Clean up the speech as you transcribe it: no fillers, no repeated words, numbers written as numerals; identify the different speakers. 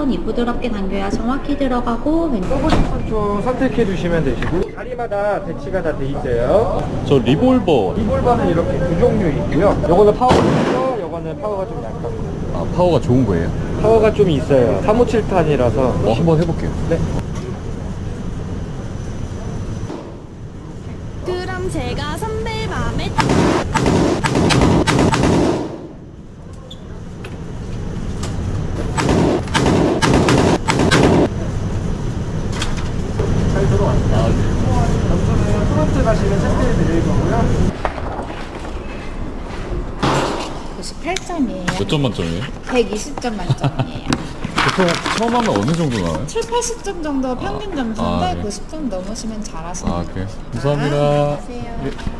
Speaker 1: 천천히 부드럽게 당겨야 정확히 들어가고
Speaker 2: 써보고 싶은 쪽 선택해 주시면 되시고 자리마다 배치가 다 돼 있어요.
Speaker 3: 저 리볼버.
Speaker 2: 리볼버는 이렇게 두 종류 있고요. 요거는 파워가 있고 요거는 파워가 좀 약합니다.
Speaker 3: 아, 파워가 좋은 거예요?
Speaker 2: 파워가 좀 있어요. 357탄이라서.
Speaker 3: 한번 해볼게요.
Speaker 2: 네.
Speaker 4: 그럼 제가 선배 맘에
Speaker 2: 잘 들어왔어요.
Speaker 3: 아,
Speaker 2: 점수는 프론트 가시면 체크해 드릴 거고요.
Speaker 1: 98점이에요.
Speaker 3: 몇 점 만점이에요?
Speaker 1: 120점 만점이에요.
Speaker 3: 보통 처음 하면 어느 정도 나와요?
Speaker 1: 7, 80점 정도 평균 점수인데
Speaker 3: 아, 네.
Speaker 1: 90점 넘으시면 잘하시는
Speaker 3: 아,
Speaker 1: 거예요.
Speaker 3: 그래요? 감사합니다.
Speaker 1: 안녕하세요.
Speaker 3: 예.